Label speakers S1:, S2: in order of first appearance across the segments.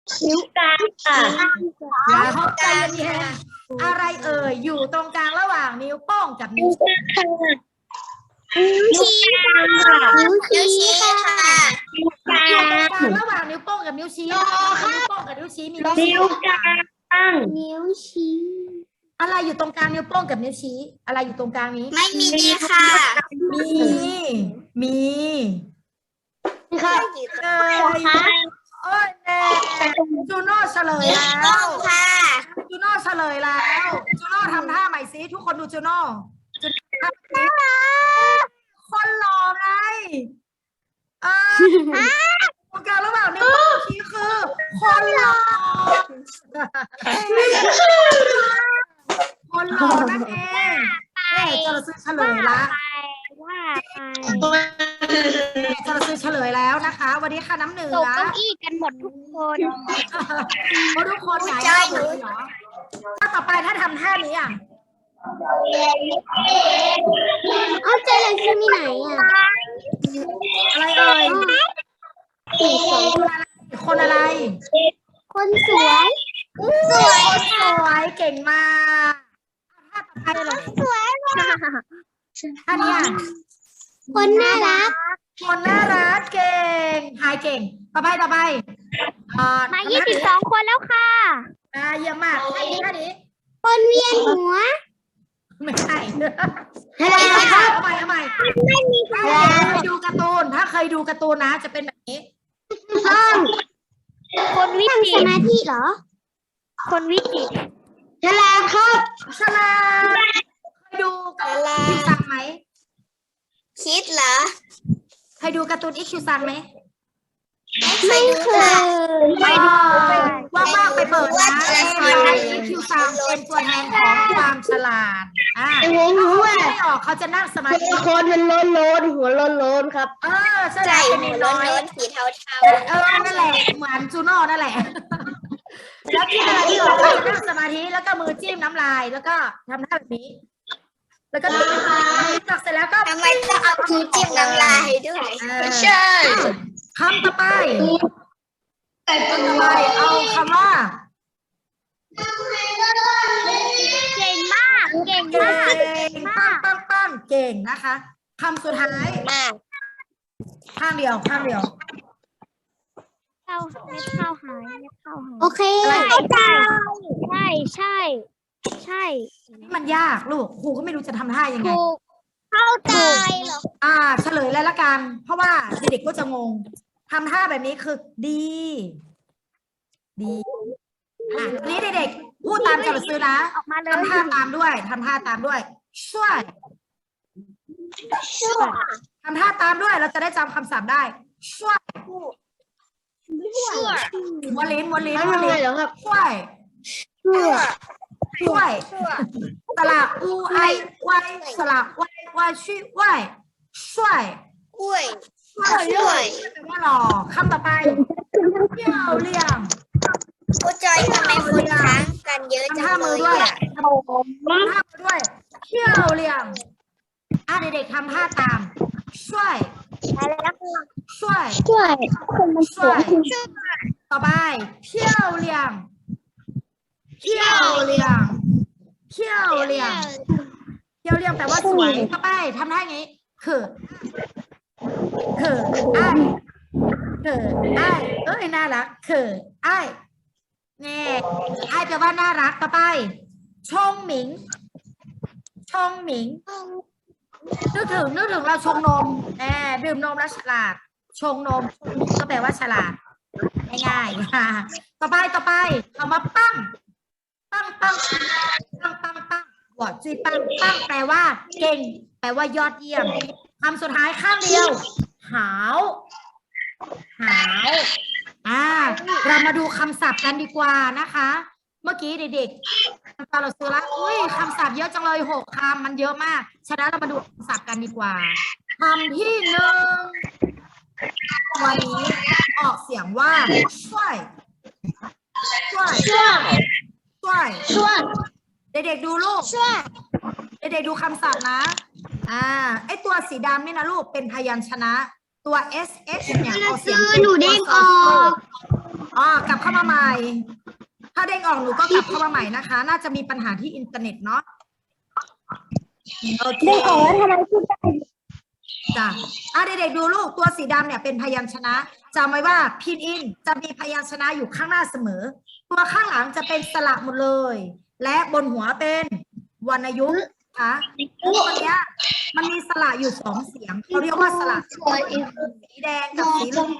S1: นิ้วกลางค่ะ
S2: อย่าเข้าใจเย็นๆอะไรเอ่ยอยู่ตรงกลางระหว่างนิ้วโป้งกับนิ้วชี้
S1: นิ้วชี้ค่ะนิ้วชี้ค่ะ
S2: อยู่ตรงกลางระหว่างนิ้วโป้งกับนิ้วชี้นิ้วโป้งกับนิ้วชี้มีนิ้วกลาง
S1: นิ้วชี้
S2: อะไรอยู่ตรงกลางนิ้วโป้งกับนิ้วชี้ อะไรอยู่ตรงกลางนี้
S1: ไม่มีค่ะ
S2: มีค่ะเอ้ยโอ้ยแน่จูโน่เฉลยแล้ว
S1: ค่ะ
S2: จูโน่เฉลยแล้วจูโน่ทำท่าใหม่สิทุกคนดูจูโน่คนหล่อไงตรงกลางระหว่างนิ้วโป้งชี้คือคนหล่อคนหล่อนั่นเองจะซื้อเฉลยละจะซื้อเฉลยแล้วนะคะวันนี้ค่ะน้ำหนึ่ง
S3: ตก
S2: ละ
S3: เก้าอี้กันหมดทุกคน
S2: ทุกคนไหนเลยเหรอถ้าต่อไปถ้าทำท่านี้อ่ะ
S1: เอาใจเลยคือมีไหนอ่ะ
S2: อะไรเอ่ยคนอะไร
S1: คนสวย
S2: คนสวยเก่งมากถ้าต่อไปเลย
S1: สวยว่ะ
S2: ท่านี้อ่ะ
S1: คนน่ารัก
S2: คนน่ารักเก่งหายเก่งต่อไป
S3: มา22 คนแล้วค่ะ
S2: เยี่ยมมากท่านี้
S1: คนเวียนหัว
S2: ไม่ใช่
S1: อะไร
S2: เอาใหม่
S1: ไม่มีใคร
S2: ถ้าเคยดูการ์ตูนถ้าเคยดูการ์ตูนนะจะเป็นแบบนี้
S1: ห้อง
S3: คนวิ
S1: นั่ง
S3: จิ
S1: ส
S3: ตร
S1: มาธิเหรอ
S3: คนวิจิตร
S1: ฉลาดครับ
S2: ฉลาดเคยดูการ์ตูนอีคิวซังไหม
S1: คิดเหรอ
S2: เคยดูการ์ตูนอีคิวซังไหม
S1: ไม่เคย
S2: ไม่ดูว่างๆไปเปิดนะอีคิวซังเป็นตัวแทนของความฉลาดไม่ออกเขาจะนั่งสมาธิ
S1: คนมันโลนหัวโลนครับ
S2: ใช่แล้วเป็นน้อย
S1: สีเทา
S2: นั่นแหละเหมือนจูโน่นั่นแหละแล้วที่อะไรที่ออกเขาจะนั่งสมาธิแล้วก็มือจิ้มน้ำลายแล้วก็ทำท่าแบบนี้ แล้วก็ตักเสร็จแล้วก็
S1: ทำไมต้องเอาคือจิ้มน้ำลายด้วยใช่
S2: คำต่อไปเอาคำว่า
S3: เก่งมาก เก่ง
S2: เก่
S3: มาก
S2: งปั้งเก่งนะคะคำสุดท้าย
S1: มาก
S2: ข้างเดียว
S3: เข้าเม็ดข้าวหายเม็ดข้าวหาย
S1: โอเค
S3: ใช่
S2: นี่มันยากลูกครูก็ไม่รู้จะทำท่ายังไง
S3: ถูกเข้าใจ
S1: เหรอ
S2: เฉลยเลยละกัน เพราะว่าเด็กๆก็จะงงทำท่าแบบนี้คือดีทีนี้เด็กๆพูดตามจดซื้อนะ
S3: ออกมาเลย
S2: ทำท่าตามด้วยช่วยทำท่าตามด้วยเราจะได้จำคำศัพท์ได้ช่วยม้วนลิ้น
S1: เหรอครับ
S2: ช่วยสระอูไอไวสระไวช่วย
S1: กล้วย
S2: แปลว่าหล่อคำต่อไปเที่ยวเลี่ยม
S1: ครูจอยทำไมคนค้างกันเยอะจั
S2: ทำท่าง
S1: เล
S2: มือย ด้วย
S1: อ่ะ
S2: ทำท่ามือด้วยเที่ยวเลี่ยมเด็กๆทำท่าตามช่วยต่อไปเที่ยวเลี่ยมแปลว่าสวยต่อไปทำท่าอย่างนี้คือไอ้น่ารักไอ้แปลว่าน่ารักต่อไปชงหมิงนึกถึงเราชงนมดื่มนมแล้วฉลาดชงนมก็แปลว่าฉลาดง่ายๆต่อไปเอามาปั้งหัวจีปั้งแปลว่าเก่งแปลว่ายอดเยี่ยมคำสุดท้ายข้างเดียวหาวเรามาดูคำศัพท์กันดีกว่านะคะ เมื่อกี้เด็กๆเราซื้อละคำศัพท์เยอะจังเลย6 คำมันเยอะมากฉะนั้นเรามาดูคำศัพท์กันดีกว่าคำที่ 1วันนี้ออกเสียงว่าช่วยเด็กๆดูลูกเด็กๆดูคำศัพท์นะไอตัวสีดำนี่นะลูกเป็นพยัญชนะตัว sh เนี่ยออกเสียง
S1: หนูเด้งออก
S2: กลับเข้ามาใหม่ ถ้าเด้งออกหนูก็กลับเข้ามาใหม่นะคะ น่าจะมีปัญหาที่อินเทอร์เน็ตเนาะโอเค
S1: ได้ของแล้วทำไมพูดได้
S2: จ้ะเด็กๆดูลูกตัวสีดำเนี่ยเป็นพยัญชนะจำไว้ว่าพินอินจะมีพยัญชนะอยู่ข้างหน้าเสมอ ตัวข้างหลังจะเป็นสระหมดเลย และบนหัวเป็นวรรณยุกต์นะคะตัวเนี้ยมันมีสระอยู่2 เสียงเขาเรียกว่าสระสีแดงกับสีเหลือง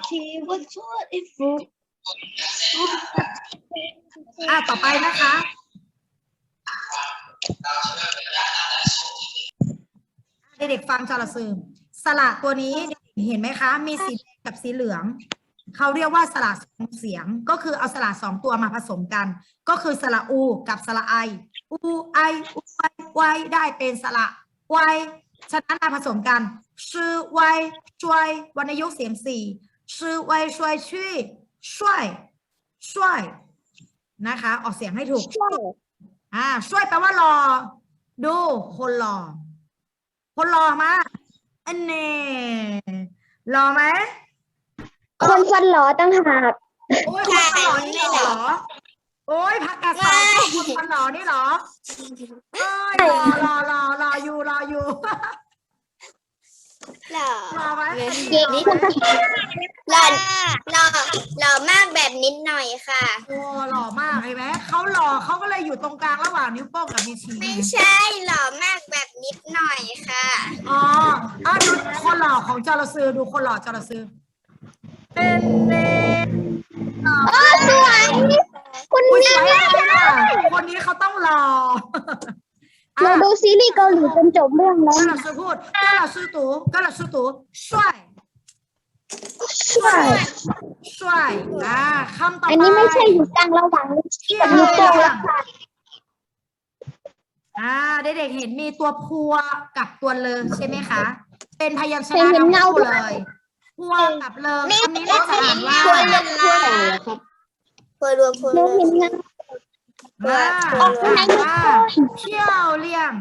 S2: ต่อไปนะคะเด็กๆฟังจระซื้อสระตัวนี้เห็นไหมคะมีสีแดงกับสีเหลืองเขาเรียกว่าสระ2 เสียงก็คือเอาสระ2 ตัวมาผสมกันก็คือสระอูกับสระไออูไออูไอไวได้เป็นสระไวฉะนั้นมาผสมกันชื่อไวช่วยวรรณยุกต์เสียง4ชื่อไวช่วยชื่อช่วยนะคะออกเสียงให้ถูกช่วยแปลว่ารอดูคนรอมาอันนี้รอไหม
S1: คนฟันหล่อตั้งหาก
S2: โอ้ยคนฟันหล่อนี่เหรอโอ้ยพักกาสายคนฟันหล่อนี่เหรอเอ้ยรออยู่รอไหม
S1: เด็กนี่คุณภาษา
S3: หล่อมากแบบนิดหน่อยค่ะ
S2: โอ้หล่อมากเห็นไหมเขาหล่อเขาก็เลยอยู่ตรงกลางระหว่างนิ้วโป้งกับนิ้วชี้
S3: ไม่ใช่หล่อมากแบบนิดหน่อยค่ะ
S2: ดูคนหล่อของจระซื้อดูคนหล่อจระซื้อเป็น
S1: สวยคุณ
S2: อุ้ย
S1: นี่
S2: สวยอะไรคนนี้เขาต้องหล่อ
S1: เราดูซีรีส์เกาหลีจนจบเรื่องแล้ว
S2: ก็เราซื้อพูดก็เราซื้อตู่ช่วยคำต่อไป
S1: อันนี้ไม่ใช่อยู่กลางระหว่างกับลูกโป่งแล้วค่ะ
S2: เด็กๆเห็นมีตัวพัวกับตัวเลอใช่ไหมคะเป็นพยัญช
S1: เคย
S2: นะ
S1: เห็นเงา
S2: คู่เลยพัวกับเลอคำนี้เราจะอ่านว่า
S1: เราเห็นงาน
S2: อ่านว่าเที่ยวเลี่ยง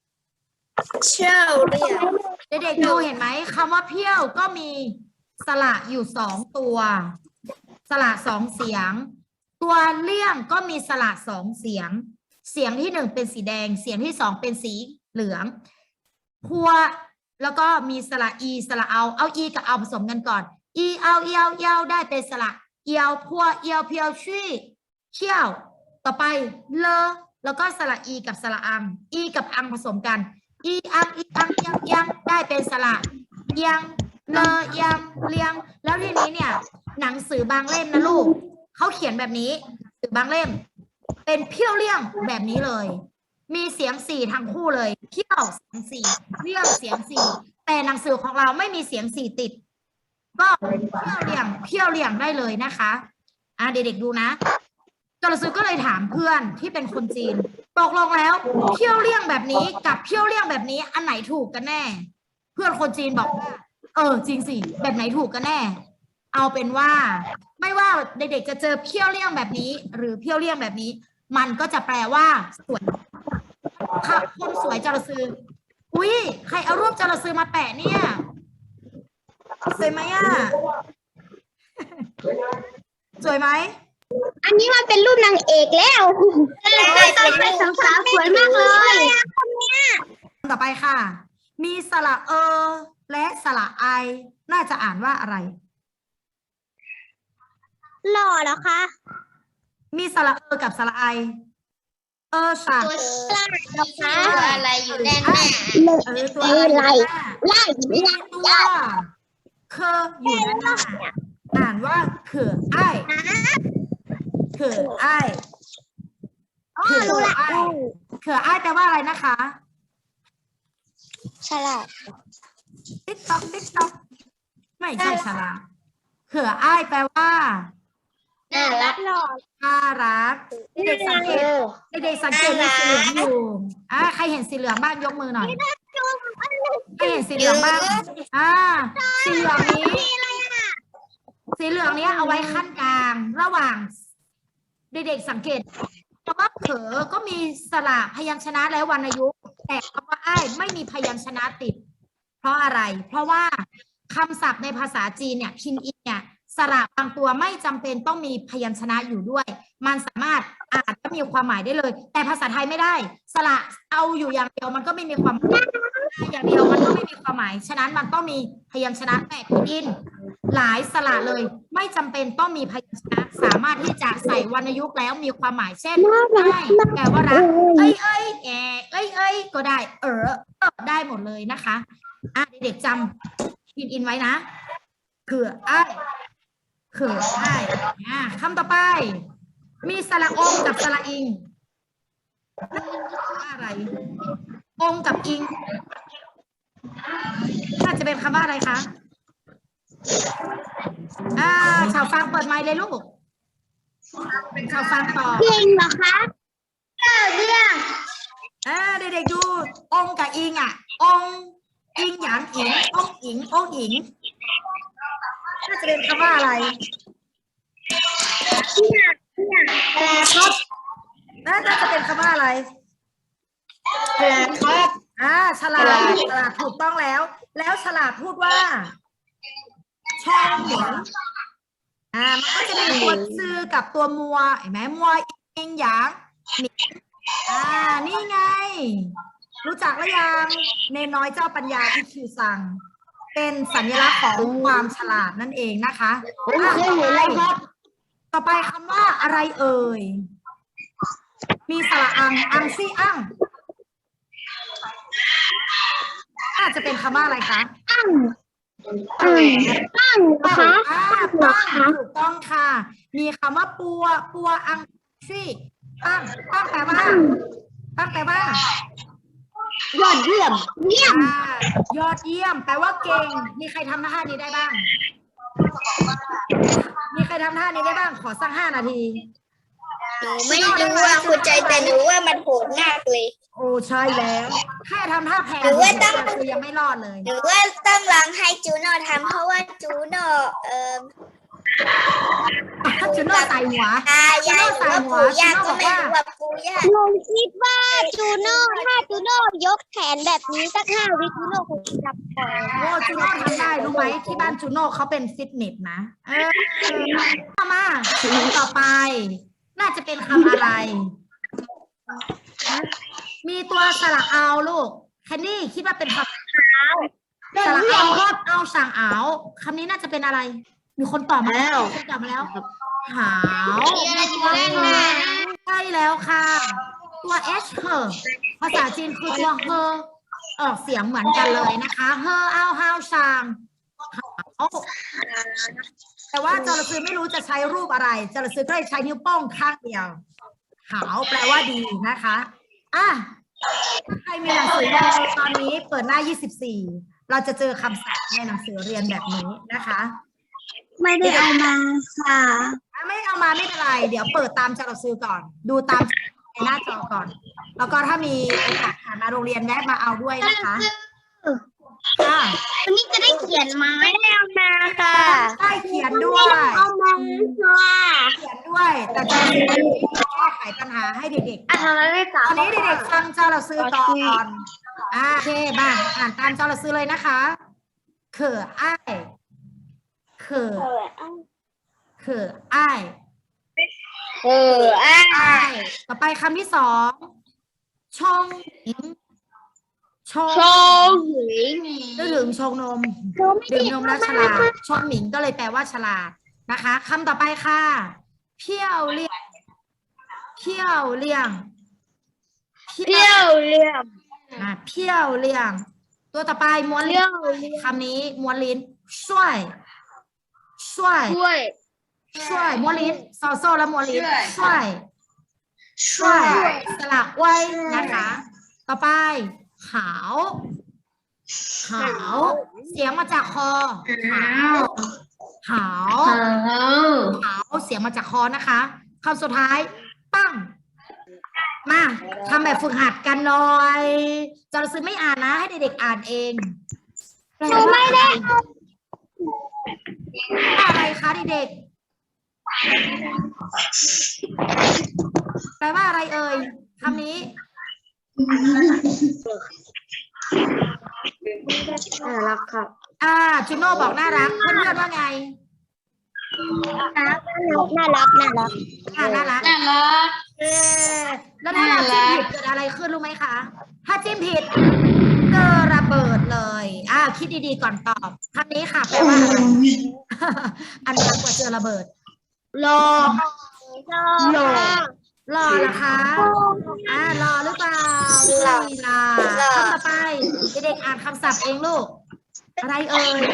S2: เด็กๆดูเห็นไหมคำว่าเพี้ยวก็มีสระอยู่2 ตัวสระ2 เสียงตัวเลี่ยงก็มีสระ2 เสียงเสียงที่1เป็นสีแดงเสียงที่2เป็นสีเหลืองพัวแล้วก็มีสระอีสระเอาอีกับเอาผสมกันก่อนอีเอาเอียวได้เป็นสระเอียวพัวเอียวเพียวชี่เชี่ยวต่อไปเลอแล้วก็สระอีกับสระอังอีกับอังผสมกันอีอังยังได้เป็นสระยังเลอยังเลียงแล้วทีนี้เนี่ยหนังสือบางเล่มนะลูกเขาเขียนแบบนี้หนังสือบางเล่มเป็นเพี้ยวเลี่ยงแบบนี้เลยมีเสียง4ทั้งคู่เลยเพี้ยวเสียง4เลี่ยงเสียง4แต่หนังสือของเราไม่มีเสียง4ติดก็เพี้ยวเลี่ยงได้เลยนะคะเด็กๆดูนะจระซื้อก็เลยถามเพื่อนที่เป็นคนจีนตกลงแล้วเพี้ยวเลี่ยงแบบนี้กับเพี้ยวเลี่ยงแบบนี้อันไหนถูกกันแน่เพื่อนคนจีนบอกว่าจริงสิแบบไหนถูกกันแน่เอาเป็นว่าไม่ว่าเด็กๆจะเจอเพี้ยวเลี่ยงแบบนี้หรือเพี้ยวเลี่ยงแบบนี้มันก็จะแปลว่าสวยค่ะคนสวยจระซื้ออุ้ยใครเอารูปจระซื้อมาแปะเนี่ยสวยไหมสวยไหม
S1: อันนี้มันเป็นรูปนางเอกแล้วเป็นสาวสวยมากเลย
S2: ต่อไปค่ะมีสระและสระไอน่าจะอ่านว่าอะไร
S1: หล่อเหรอคะ
S2: มีสระกับสระไอค่ะ
S3: ตัวอะไรอยู่แน่
S2: ตัวอะไร
S1: ไล่
S2: มีตัวเคอยู่ด้านหน้าอ่านว่าเขือไอเขือไอแปลว่าอะไรนะคะ
S1: ฉลาด
S2: ติ๊กต๊อกไม่ใช่ฉลาดเขือไอแปลว่า
S3: น่ารัก
S2: น่ารักเด็กสังเกตมีสีเหลืองอยู่ใครเห็นสีเหลืองบ้างยกมือหน่อยใครเห็นสีเหลืองบ้างสีเหลืองนี้เอาไว้ขั้นกลางระหว่างเด็กๆสังเกตคำว่าเขอก็มีสระพยัญชนะและวรรณยุกต์แต่คำว่าอ้ายไม่มีพยัญชนะติดเพราะอะไรเพราะว่าคำศัพท์ในภาษาจีนเนี่ยพินอินเนี่ยสระบางตัวไม่จำเป็นต้องมีพยัญชนะอยู่ด้วยมันสามารถอ่านและมีความหมายได้เลยแต่ภาษาไทยไม่ได้สระเอาอยู่อย่างเดียวมันก็ไม่มีความหมายอย่างเดียวมันก็ไม่มีความหมายฉะนั้นมันต้องมีพยัญชนะแปดดินหลายสระเลยไม่จำเป็นต้องมีพยัญชนะสามารถที่จะใส่วรรณยุกต์แล้วมีความหมายเช่นได้แปลว่ารักเอ้ยก็ได้ได้หมดเลยนะคะเด็กๆจำพินอินไว้นะคือคำต่อไปมีสระองกับสระอิงว่าอะไรองกับอิงน่าจะเป็นคำว่าอะไรคะชาวฟังเปิดไมค์เลยลูกชาวฟังต่อ
S1: เก่งเหรอคะเรื่อง
S2: เด็กๆดูองกับอิงองอิงหยางอิงองอิงน่าจะเป็นคำว่าอะไรน่าจะเป็นคำว่าอะไรฉลาดถูกต้องแล้วฉลาดพูดว่าช่องหมิงมันก็จะมีตัวซื่อกับตัวมัวเห็นไหมมัวอิงหยางหมิงนี่ไงรู้จักหรือยังเนน้อยเจ้าปัญญาที่คิวซังเป็นสัญลักษณ์ของความฉลาดนั่นเองนะคะต่อไปคำว่าอะไรเอ่ยมีสระอังซี่อังจะเป็นคำว่าอะไรคะ
S1: ตั้งนะคะ
S2: ถูกต้องค่ะมีคำว่าปัวอังซี่ตั้งแปลว่าย
S1: อดเยี่ยม
S2: ยอดเยี่ยมแปลว่าเก่งมีใครทำท่านี้ได้บ้างขอสัก5 นาที
S3: หนูไม่รู้ว่าคุณใจแต่หนูว่ามันโหดมากเลย
S2: โอ้ใช่แล้วแค่ทำท่าแพงคือยังไม่รอดเลย
S3: หรือว่าต้องลองให้จูโน่ทำเพราะว่าจูโน่
S2: จูโน่ใส่หัวย
S3: ายหรือว่าปู่ย่าก็ไม่รู้ว่าปู่ย่า
S1: หนูคิดว่าจูโน่ถ้าจูโน่ยกแขนแบบนี้สัก5 วิจูโน่คงจับปล่อย
S2: จูโน่ทำได้รู้ไหมที่บ้านจูโน่เขาเป็นฟิตเนสนะมาต่อไปน่าจะเป็นคำอะไรมีตัวสระเอาลูกแคนนี่คิดว่าเป็นคำสระเอาสั่งเอาคำนี้น่าจะเป็นอะไรมีคนตอบมาแล้วหาวใช่แล้วค่ะตัว h ภาษาจีนคือตัวออกเสียงเหมือนกันเลยนะคะเอาฮาวชางหาวแต่ว่าจระเข้ไม่รู้จะใช้รูปอะไรจระเข้ก็เลยใช้นิ้วโป้งข้างเดียวหาวแปลว่าดีนะคะใครมีหนังสือเรียนตอนนี้เปิดหน้า24เราจะเจอคำศัพท์ในหนังสือเรียนแบบนี้นะคะ
S1: ไม่ได้เอามาค่ะ
S2: ไม่เอามาไม่เป็นไรเดี๋ยวเปิดตามจระเข้ก่อนดูตามในหน้าจอก่อนแล้วก็ถ้ามีโอกาสผ่านมาโรงเรียนแวะมาเอาด้วยนะคะ
S1: วันนี้จะได้เขียนไหมไม่ได้เอามาค่ะ
S2: ได้เขียนด้วย
S1: เอามาค่ะ
S2: เขียนด้วยแต่จะแก้ไขปัญหาให้เด็กๆตอนนี้เด็กๆฟังจระเข้ก่อนโอเคบ้างอ่านตามจระเข้เลยนะคะอ้ายต่อไปคำที่2ชงหญิงชงชงนมดื่มนมแล้วฉลาดชงหมิงก็เลยแปลว่าฉลาดนะคะคำต่อไปค่ะเพี้ยวเลี่ยงตัวต่อไปม้วนลิ้นคำนี้ม้วนลิ้นช่วยม้วนลิ้นโซ่แล้วม้วนลิ้นช่วยสลักไว้นะคะต่อไปขาวเสียงมาจากคอขาวเสียงมาจากคอนะคะคำสุดท้ายปั้งมาทำแบบฝึกหัดกันหน่อยจระเข้ไม่อ่านนะให้เด็กๆอ่านเอง
S1: ไม่ได้
S2: อะไรคะเด็กๆแปลว่าอะไรเอ่ยคำนี้
S1: น่ารักครับ
S2: จูโน่บอกน่ารักเพื่อนๆว่าไง
S1: น่ารักน่ารัก
S2: น่ารัก
S4: น่ารัก
S2: เอ๊ะแล้วถ้าเราจิ้มผิดเกิดอะไรขึ้นรู้ไหมคะ ถ้าจิ้มผิดเจอระเบิดเลยคิดดีๆก่อนตอบคำนี้ค่ะแปลว่าอะไร อันดังกว่าเจอระเบิด
S1: รอ
S2: รอรอเหรอคะรอหรือเปล่าไม่รอคำต่อไปเด็กๆอ่านคำศัพท์เองลูก อะไรเอ่ย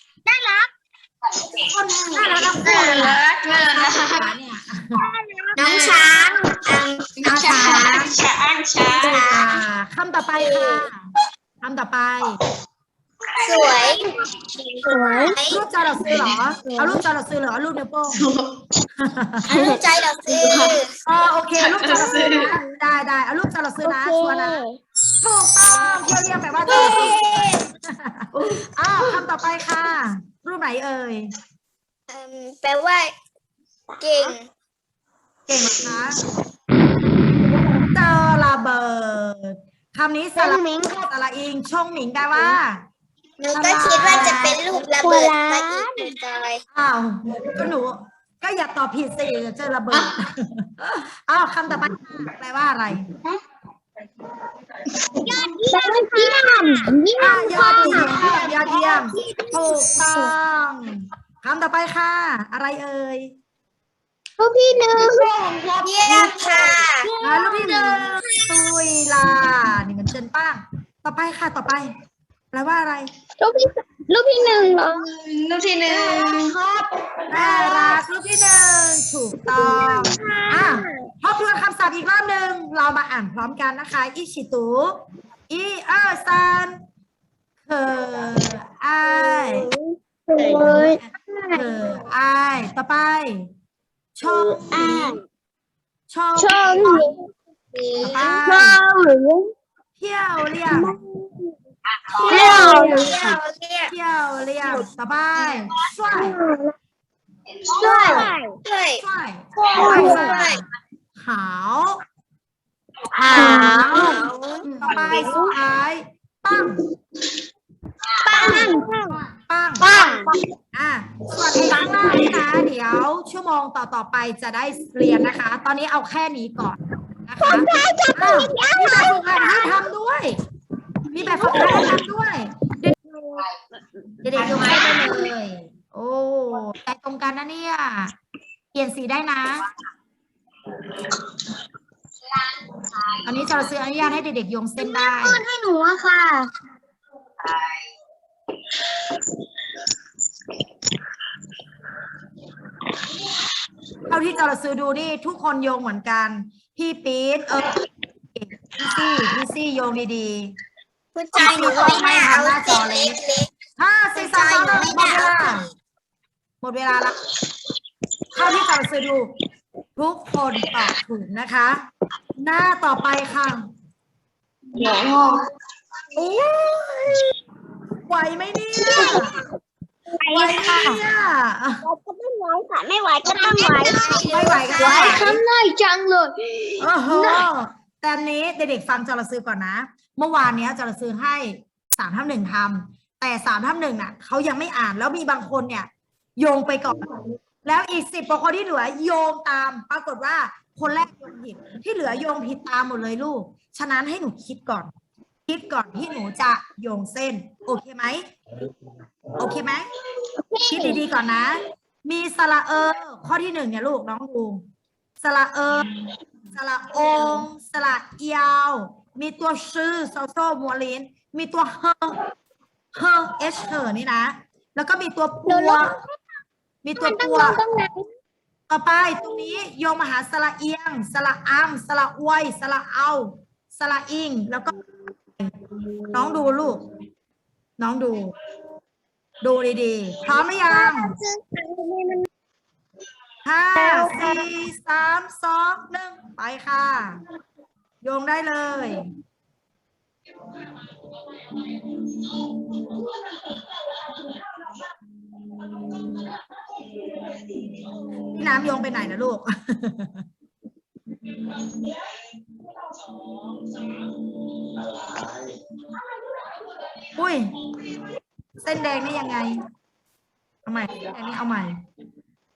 S2: คนน่ารักทั้งคู่เลยอะเนี่ย
S1: น้องช้าง
S2: น้องช้าง
S4: ช้าง
S2: คำต่อไปค่ะคำต่อไป
S1: สวยสวย
S2: รูปจอเราซื้อเหรอ เอารูปจอเราซื้อเหรอรูปนิ้วโป้ง
S1: ใจเราซื้อ
S2: โอเครูปจอเราซื้อนะได้เอารูปจอเราซื้อนะชัวร์นะถูกต้องเรียกแปลว่าจอเราซื้อคำต่อไปค่ะ รูปไหนเอ่ย
S1: แปลว่าเก่ง
S2: เก่งนะคะเจอระเบิดคำนี้สระมิงสระอิงชงหมิงแปลว่า
S1: หนูก็คิดว่าจะเป็นลูกระเบิดมาอีกจอย
S2: ก็หนูก็อย่าตอบผิดสิเจอระเบิดคำต่อไปแปลว่าอะไร
S1: ยอดเยี่ยม
S2: ยอดเยี่ยมถูกต้องคำต่อไปค่ะ อะไรเอ่ย
S1: ลูกพี่หนึ่งเยี่ยมค่ะ
S2: ลูกที่หนึ่งตุยลานี่เหมือนเชิญป้างต่อไปค่ะต่อไปแปลว่าอะไร
S1: ลูกพี่หนึ่งเหรอ
S4: ลูกที่หนึ่ง
S2: น่ารักลูกที่หนึ่งถูกต้องทบทวนคำศัพท์อีกรอบหนึ่งเรามาอ่านพร้อมกันนะคะอิชิตุอีซันเคไอไอต่อไปชงต่อไปเที่ยวเรียบต่อไปช่วยขาวต่อไปสุดท้ายปังส่วนครั้งหน้านี่นะเดี๋ยวชั่วโมงต่อไปจะได้เรียนนะคะ ตอนนี้เอาแค่นี้ก่อนนะคะมีแบบฝึกหัดให้ทำด้วยเด็กๆยกให้ได้เลยโอ้ใจตรงกันนะเนี่ยเปลี่ยนสีได้นะอันนี้จะซื้ออนุญาตให้เด็กๆยงเส้นได้
S1: ให้หนูอะค่ะ
S2: เท่าที่จะซื้อดูนี่ทุกคนโยงเหมือนกันพี่ปี๊ดพี่ซี่โยงดีๆ
S1: คุณใจหนูก็ไม่น่าเอาจอเล็ก
S2: 4 3 2 1หมดเวลาแล้วเท่าที่จะซื้อดูทุกคนตอบถูกนะคะ หน้าต่อไปค่ะไหวไหมเนี่ยไหวไหมเนี่ย
S1: ก็ไม่ไหวค่ะไม่ไหวก็ต้องไหว
S2: ไม่ไหวกัน
S1: ไหวทำง่ายจังเลย
S2: แต่นี้เด็กๆฟังจรซื้อก่อนนะเมื่อวานนี้จรซื้อให้3-1ทำแต่3-1น่ะเขายังไม่อ่านแล้วมีบางคนเนี่ยโยงไปก่อนแล้วอีก10 กว่าคนที่เหลือโยงตามปรากฏว่าคนแรกโยงผิดที่เหลือโยงผิดตามหมดเลยลูกฉะนั้นให้หนูคิดก่อนที่หนูจะโยงเส้นโอเคไหมคิดดีๆก่อนนะมีสระข้อที่1เนี่ยลูกน้องดูสระสระองสระยาวมีตัวชื่อโซโซมัวลินมีตัวเฮนี่นะแล้วก็มีตัวปัวต่อไปตรงนี้โยงมาหาสระเอียงสระอัมสระอวยสระเอาสระอิงแล้วก็น้องดูลูกน้องดูดีๆพร้อมหรือยัง5 4 3 2 1ไปค่ะโยงได้เลยพี่น้ำโยงไปไหนนะลูก อุ้ยเส้นแดงนี่ยังไงเอาใหม่เส้นแดงนี่เอาใหม่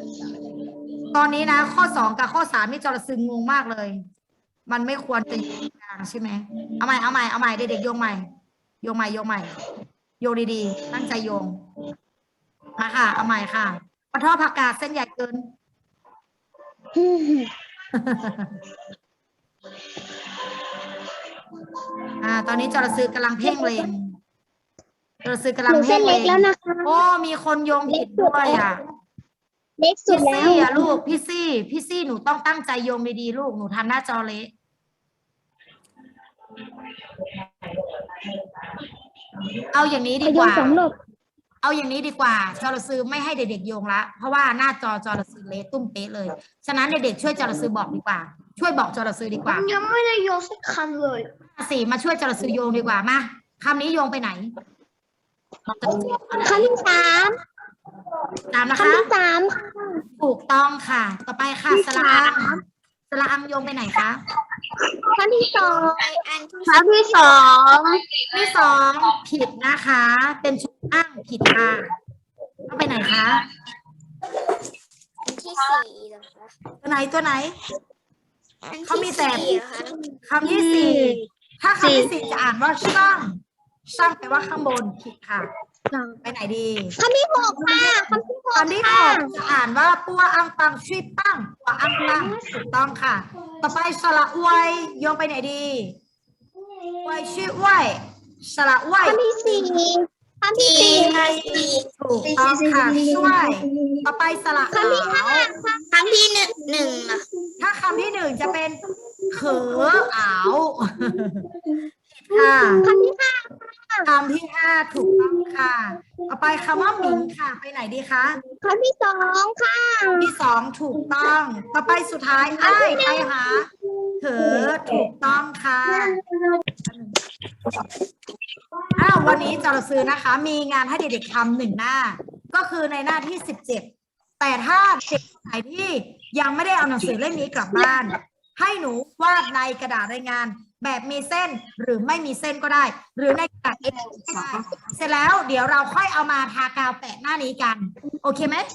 S2: ตอนนี้นะข้อ2กับข้อ3นี่จรซึงงงมากเลย มันไม่ควรจะอยู่ตรงกลางใช่ไหมเอาใหม่เด็กๆโยงใหม่โยงใหม่โยงดีๆตั้งใจโยงมาค่ะเอาใหม่ค่ะปะทอผักกาดเส้นใหญ่เกิน ตอนนี้จรซึกำลังเพ่งเลงจรซึกำ
S1: ห
S2: ลัง
S1: นูเส้
S2: เพ่
S1: น
S2: งเล
S1: เล็ก
S2: ง
S1: แล้วนะคะ
S2: โอ้มีคนโยงผิดด้วยอ่ะ
S1: เล็กสุ
S2: พี่
S1: ดแล้ว
S2: ซี่อ่ะลูกพี่ซี่หนูต้องตั้งใจโยงดีๆลูกหนูทำหน้าจอเละเอาอย่างนี้ดี
S1: ไป
S2: ก
S1: โยน
S2: ว่า
S1: สองรอบ
S2: เอาอย่างนี้ดีกว่าจรซึไม่ให้เด็กๆโยงละเพราะว่าหน้าจอจรซึเละตุ้มเป๊ะเลยฉะนั้นเด็กๆช่วยจรซึบอกดีกว่าช่วยบอกจรซึดีกว่า
S4: ยังไม่ได้โยนสักคำเลย
S2: สี่มาช่วยจรซึโยงดีกว่ามาคำนี้โยงไปไหน
S1: คำที่สาม
S2: ตามนะ
S1: คำ
S2: คะ
S1: ที่สาม
S2: ถูกต้องค่ะ ต่อไปค่ะสระอังโยงไปไหนคะ
S1: คำที่สอง
S4: อันที่
S1: คำที่สอง
S2: ที่สองผิดนะคะ เป็นชุดอ้างผิดค่ะต้องไปไหนคะ
S4: ที่สี่เหรอคะ
S2: ตัวไหน
S4: อัน
S2: เขามี
S4: ที่
S2: แต่
S4: สี่เหรอคะ
S2: คำที่สี่ถ้าคำที่สี่จะอ่านว่าช่างแปลว่าข้างบนผิดค่ะ ไปไหนดี
S1: คำที่หกค่ะคำที่หก
S2: คำที่หกจะอ่านว่าปัวอังปังชุยปังปัวอังปังถูกต้องค่ะ ต่อไปสระอวยโยงไปไหนดีอวยชื่ออวยสระอวย
S1: คำที่สี่คำที่สี่
S2: ถูกต้องค่ะช่วย ต่อไปสระขาว
S4: คำที่หนึ่งนะ
S2: ถ้าคำที่หนึ่งจะเป็นเขออ้าวค่ะ
S1: คำที่ห้า
S2: คำที่ห้าถูกต้องค่ะ ต่อไปคำว่าหมิงค่ะ ไปไหนดีคะ
S1: คำที่สองค่ะ
S2: ที่สองถูกต้อง ต่อไปสุดท้ายอ้ายไปหาเขอถูกต้องค่ะวันนี้จรซื้อนะคะ มีงานให้เด็กๆทำ1 หน้า ก็คือในหน้าที่17แต่ถ้าเด็กไหนที่ยังไม่ได้เอาหนังสือเล่มนี้กลับบ้าน ให้หนูวาดในกระดาษรายงาน แบบมีเส้นหรือไม่มีเส้นก็ได้ หรือในกระดาษ A4 ก็ได้เสร็จแล้วเดี๋ยวเราค่อยเอามาทากาวแปะหน้านี้กัน โอเคไหม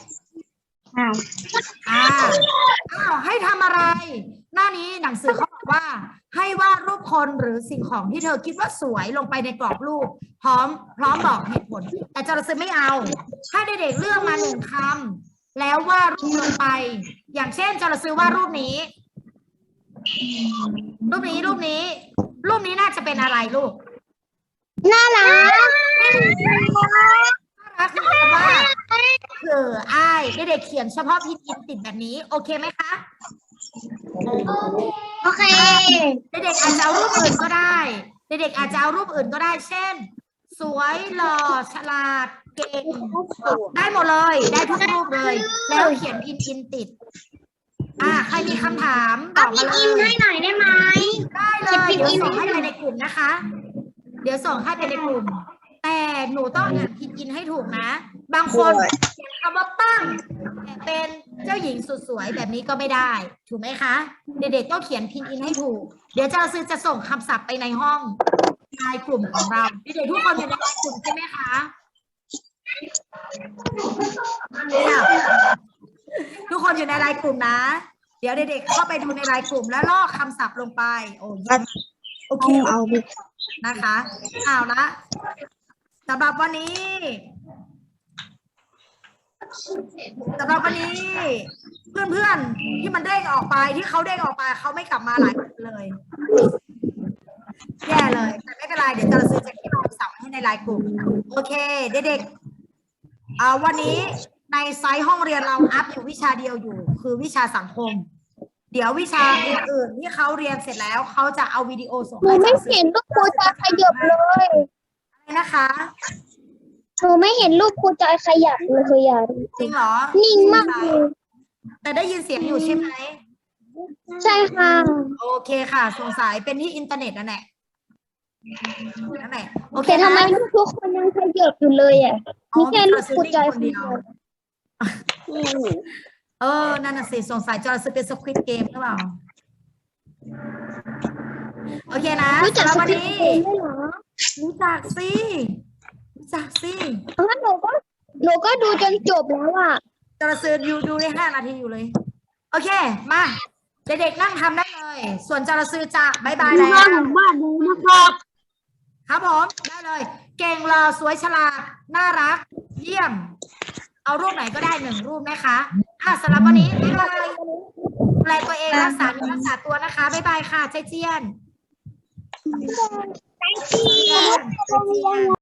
S2: ให้ทำอะไร หน้านี้หนังสือเขาบอกว่า ให้วาดรูปคนหรือสิ่งของที่เธอคิดว่าสวยลงไปในกรอบรูป พร้อมบอกเหตุผล แต่จรซื้อไม่เอาให้เด็กๆเลือกมา1 คำแล้ววาดรูปลงไป อย่างเช่นจรซื้อวาดรูปนี้น่าจะเป็นอะไรลูก
S1: น่ารัก
S2: น่ารักคือว่าอ้ายเด็กๆเขียนเฉพาะพินอินติดแบบนี้โอเคไหมคะ
S1: โอเค
S2: เด็กๆอาจจะเอารูปอื่นก็ได้เด็กๆอาจจะเอารูปอื่นก็ได้เช่น สวยหล่อฉลาดเก่งได้หมดเลยได้ทุกรูปเลย แล้วเขียนพินอินติดใครมีคำถามบอกมาเลย
S1: ให้หน่อยได้ไหม
S2: ได้เลยเดี๋ยวส่งให้ไปในกลุ่มนะคะ เดี๋ยวส่งให้ไปในกลุ่ม แต่หนูต้องอ่านพินอินให้ถูกนะ บางคนเขียนคำว่าปั้งแต่เป็นเจ้าหญิงสุดสวยแบบนี้ก็ไม่ได้ ถูกไหมคะ เด็กๆต้องเขียนพินอินให้ถูก เดี๋ยวจะส่งคำศัพท์ไปในห้องในกลุ่มของเราเด็กๆทุกคนอยู่ในกลุ่มใช่ไหมคะเนี่ยทุกคนอยู่ในไลน์กลุ่มนะ เดี๋ยวเด็กๆเข้าไปดูในไลน์กลุ่มแล้วลอกคำศัพท์ลงไปโอ้ยโอเคนะคะเอาละสำหรับวันนี้ เพื่อนๆที่มันเด้งออกไปที่เขาเด้งออกไปเขาไม่กลับมาหลายคนเลยแย่เลยแต่ไม่เป็นไรเดี๋ยวจะซื้อจะเก็บคำศัพท์ให้ในไลน์กลุ่มโอเคเด็กๆวันนี้ในไซต์ห้องเรียนเราอัพอยู่วิชาเดียวอยู่คือวิชาสังคมเดี๋ยววิชาอื่นๆที่เขาเรียนเสร็จแล้วเขาจะเอาวิดีโอส่ง
S1: หนูไม่เห็นรูปครูจอยขยับเลย
S2: อะไรนะคะ
S1: หนูไม่เห็นรูปครูจอยขยับเลยอ่ะ
S2: จริงเหรอ
S1: นิ่งมากเลย
S2: แต่ได้ยินเสียงอยู่ใช่ไหม
S1: ใช่ค่ะ
S2: โอเคค่ะสงสัยเป็นที่อินเทอร์เน็ตนั่นแหละโอเค
S1: แต่ทำไม
S2: นะ
S1: รูปทุกคนยังขยับอยู่เลยอ่ะมีแค่รูปครูจอยคนเดียว
S2: นั่นน่ะสิสงสัยจอร์จเป็นสควิดเกมหรือเปล่าโอเคนะ
S1: รู้จัก
S2: สำหรับ
S1: ส
S2: วัน
S1: คริป
S2: นี้
S1: ต์เกมด้วยเหรอ
S2: รู้จักสิ
S1: งั้นหนูก็ดูจนจบแล้วอ่ะ
S2: จรซื้อดูได้5 นาทีอยู่เลย โอเคมาเด็กๆนั่งทำได้เลย ส่วนจรซื้อจะบายบายแล้ว
S1: บ้านดูนะครับ
S2: ครับผมได้เลย เก่งหล่อสวยฉลาดน่ารัก เยี่ยม เอารูปไหนก็ได้1 รูปนะคะสำหรับวันนี้บ๊ายบายดูแลตัวเองรักษาตัวนะคะบ๊ายบายค่ะใจเจียน